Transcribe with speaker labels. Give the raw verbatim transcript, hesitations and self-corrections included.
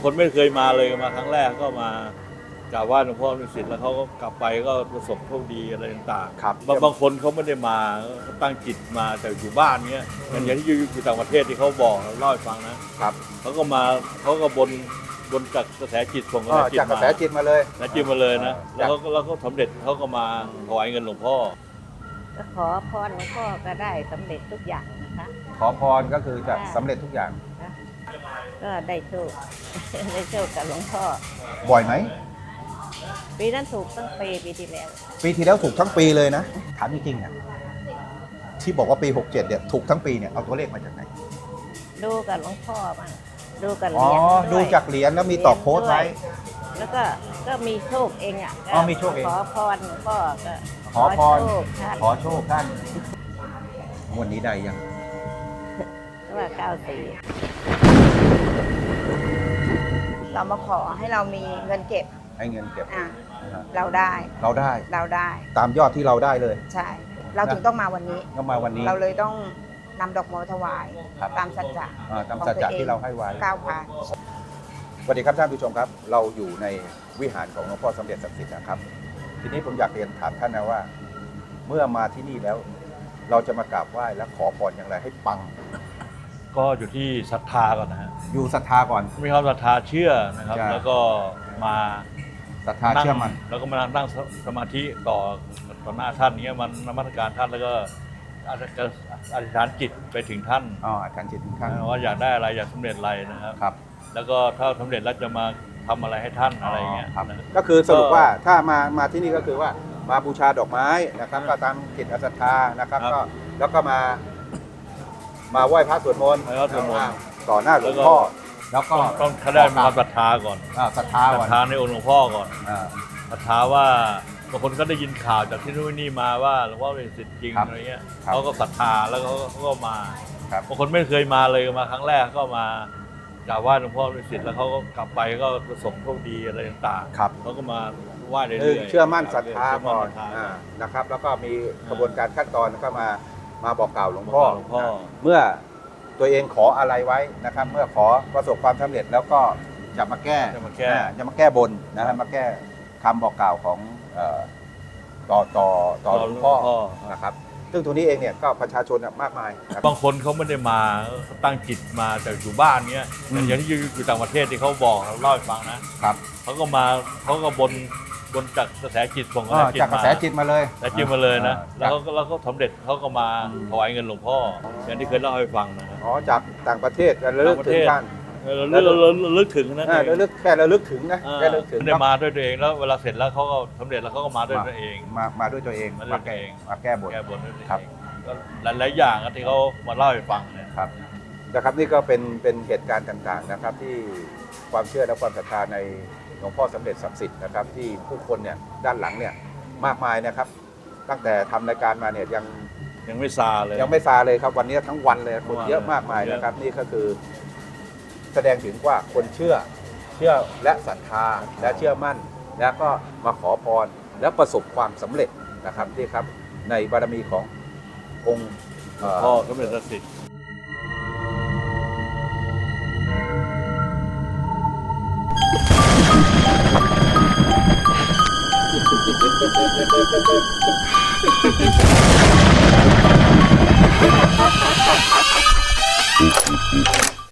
Speaker 1: คนไม่เคยมาเลยมาครั้งแรกก็มากราบไหว้หลวงพ่อฤาษีแล้วเขาก็กลับไปก็ประสบโชคดีอะไรต่างๆ
Speaker 2: ครับ
Speaker 1: บางบางคนเขาไม่ได้มาตั้งจิตมาแต่อยู่บ้านเงี้ยอย่างที่อยู่อยู่ต่างประเทศที่เขาบอกเล่าให้ฟังนะครับเขาก็มาเขาก็บนบนจากกระแสจิตส่งกระแสจิต
Speaker 2: จากกระแสจิตมาเลย
Speaker 1: กระแสจิตมาเลยนะแล้วเขาแล้วเขาสำเร็จเขาก็มาถวายเงินหลวงพ่อ
Speaker 3: ก็ขอพรหลวงพ่อก็ได้สำเร็จทุกอย่างนะคะ
Speaker 2: ขอพรก็คือจะสำเร็จทุกอย่าง
Speaker 3: ก็ได้โชค ได้โชคกับหลวงพ่อ
Speaker 2: บ่อยไหม
Speaker 3: ปีนั้นถูกตั้งปีปีที่แล้ว
Speaker 2: ปีที่แล้วถูกทั้งปีเลยนะถามจริงๆเนี่ยที่บอกว่าปีหกเจ็ดเนี่ยถูกทั้งปีเนี่ยเอาตัวเลขมาจากไหน
Speaker 3: ดูกับหลวงพ่อมั่งดูกับเห
Speaker 2: อ๋อ
Speaker 3: รียญวย
Speaker 2: ดูจากเหรียญแล้วมีต่อโค้ดไว้
Speaker 3: แล้วก็ก็มีโชคเองอ่ะ
Speaker 2: อ๋อมีโชคเอง
Speaker 3: ขอพรหลวงพ่อก็
Speaker 2: ขอพร
Speaker 3: โชคท่าน
Speaker 2: ขอโชคท่านวันนี้ได้ยัง
Speaker 3: ก็ว่าเก้าสี่
Speaker 4: เรามาขอให้เรามีเงินเก็บ
Speaker 2: ให้เงินเก็บ
Speaker 4: อ่ะ
Speaker 2: นะฮะ
Speaker 4: เราได้
Speaker 2: เราได้
Speaker 4: เราได้
Speaker 2: ตามยอดที่เราได้เลย
Speaker 4: ใช่ เราถึงต้องมาวันนี้
Speaker 2: ก็มาวันนี้
Speaker 4: เราเลยต้องนำดอกไม้ถวาย
Speaker 2: ครับ
Speaker 4: ตามสัจจะ
Speaker 2: อ่าตามสัจจะที่เราให้ไว้
Speaker 4: ก้าวผ่าน
Speaker 2: สวัสดีครับท่านผู้ชมครับ เราอยู่ในวิหารของหลวงพ่อสมเด็จศักดิ์สิทธิ์นะครับ ทีนี้ผมอยากเรียนถามท่านนะว่า เมื่อมาที่นี่แล้ว เราจะมากราบไหว้และขอพรอย่างไรให้ปัง
Speaker 1: ก็อยู่ที่ศรัทธาก่อนนะฮะ
Speaker 2: อยู่ศรัทธาก่อน
Speaker 1: มีความศรัทธาเชื่อนะครับ
Speaker 2: ใช่
Speaker 1: แล้วก็มา
Speaker 2: ศรัทธาเชื่อมัน
Speaker 1: แล้วก็มานั่งสมาธิต่อต่อหน้าท่านเนี้ยมันนมัสการท่านแล้วก็อธิษฐานจิตไปถึงท่าน
Speaker 2: อ๋ออาจารย์จิตทุกท่าน
Speaker 1: ว่าอยากได้อะไรอยากสำเร็จอะไรนะครับ
Speaker 2: ครับ
Speaker 1: แล้วก็ถ้าสำเร็จแล้วจะมาทำอะไรให้ท่านอะไรเงี้ย
Speaker 2: ครับ
Speaker 1: นะ
Speaker 2: ก็คือสรุปว่าถ้ามามาที่นี่ก็คือว่ามาบูชาดอกไม้นะครับ ก็ตามจิตศรัทธานะครับ ก็แล้วก็มามาไหว้พระสวดมนต์
Speaker 1: ไหว้พระสวดมนต์
Speaker 2: ต่อหน้าหลวงพ่อแล้วก็
Speaker 1: ต้องต้องถ้าได้มีความศรัทธาก่อน
Speaker 2: อ่าศรัทธา
Speaker 1: ศรั
Speaker 2: ก่อ
Speaker 1: ท
Speaker 2: น
Speaker 1: ธาในองค์หลวงพ่อก่อน
Speaker 2: อ่า
Speaker 1: ศรัทธาว่าบางคนก็ได้ยินข่าวจากที่นู่นนี่มาว่าหลวงพ่อเป็นศิษย์จริง
Speaker 2: ครับ
Speaker 1: อะไรเงี้ย
Speaker 2: ครับ
Speaker 1: เขาก็ศรัทธาแล้วเขาก็เขาก็มา
Speaker 2: ครับ
Speaker 1: บางคนไม่เคยมาเลยมาครั้งแรกก็มากราบไหว้หลวงพ่อเป็นศิษย์แล้วเขาก็กลับไปก็ประสบโชคดีอะไรต่างๆ
Speaker 2: ครับ
Speaker 1: เขาก็มาไหว้เรื่
Speaker 2: หนึ่ง
Speaker 1: อยๆ
Speaker 2: เชื่อมั่นศรัทธา
Speaker 1: เชื่อมั่
Speaker 2: ก่
Speaker 1: น
Speaker 2: อน
Speaker 1: ศรัทธา
Speaker 2: อ่านะครับ แล้วก็มีกระบวนการขั้นตอนก็มามาบอกกล่าวหลวงพ่อ
Speaker 1: หลวงพ่อ
Speaker 2: นะเมื่อตัวเองขออะไรไว้นะครับ เมื่อขอประสบความสำเร็จแล้วก็จะมาแก้
Speaker 1: จะมาแก้
Speaker 2: อ่จะมาแก้บนนะฮะมาแก้คำบอกกล่าวของเอ่อต่อต่อต่อหลวงพ่อนะครับ ซึ่งตัวนี้เองเนี่ยก็ประชาชนน่ะมากมายนะครับ
Speaker 1: บางคนเขาไม่ได้มาตั้งจิตมาแต่อยู่บ้านเงี้ย
Speaker 2: อืม
Speaker 1: อย่างที่อยู่อยู่ต่างประเทศที่เขาบอกเราเล่าให้ฟังนะครับ เขาก็มาเขาก็บนบนจากกระแสจิตส่งกระ
Speaker 2: อ่า
Speaker 1: แสจิต
Speaker 2: จากกระแสจิตมาเลย
Speaker 1: กระแสจิตมาเลยนะ
Speaker 2: อ่า
Speaker 1: แล้วเขาก็แล้วเขาสำเร็จเขาก็มาถวายเงินหลวงพ่ออย่างที่เคยเล่าให้ฟังนะครับ
Speaker 2: อ๋อจากต่างประเทศระลึกถึงท่าน
Speaker 1: เออเราเราเราลึกถึงนะ
Speaker 2: อ่าระลึกแค่ระลึกถึงนะ
Speaker 1: อ่า
Speaker 2: แค่ระลึกถึง
Speaker 1: ไม่ได้มาด้วยตัวเองแล้วเวลาเสร็จแล้วเขาก็สำเร็จแล้วเขาก็มาด้วยตัวเอง
Speaker 2: มามาด้วยตัวเอง
Speaker 1: มาด้วยตัวเอง
Speaker 2: มาแก้บน
Speaker 1: แก้บนด้วยตัวเอง
Speaker 2: ครับ
Speaker 1: ก็หลายๆอย่างอะที่เขามาเล่าให้ฟังเนี่ย
Speaker 2: ครับนะครับนี่ก็เป็นเป็นเหตุการณ์ต่างๆนะครับ ที่ความเชื่อและความศรัทธาในหลวงพ่อสมเด็จศักดิ์สิทธิ์นะครับ ที่ผู้คนเนี่ยด้านหลังเนี่ยมากมายนะครับ ตั้งแต่ทำรายการมาเนี่ยยัง
Speaker 1: ยังไม่ซาเลย
Speaker 2: ยังไม่ซาเลยครับวันนี้ทั้งวันเลยคนเยอะมากมาย
Speaker 1: เยอะ
Speaker 2: นะครับ นี่ก็คือแสดงถึงว่าคนเชื่อเชื่อและศรัทธาและเชื่อมั่น แล้วก็มาขอพรและประสบความสำเร็จนะครับนี่ครับในบารมีขององค์เอ่อ
Speaker 1: พ่อสมเด็จศักดิ์สิทธิ์
Speaker 2: Thank you.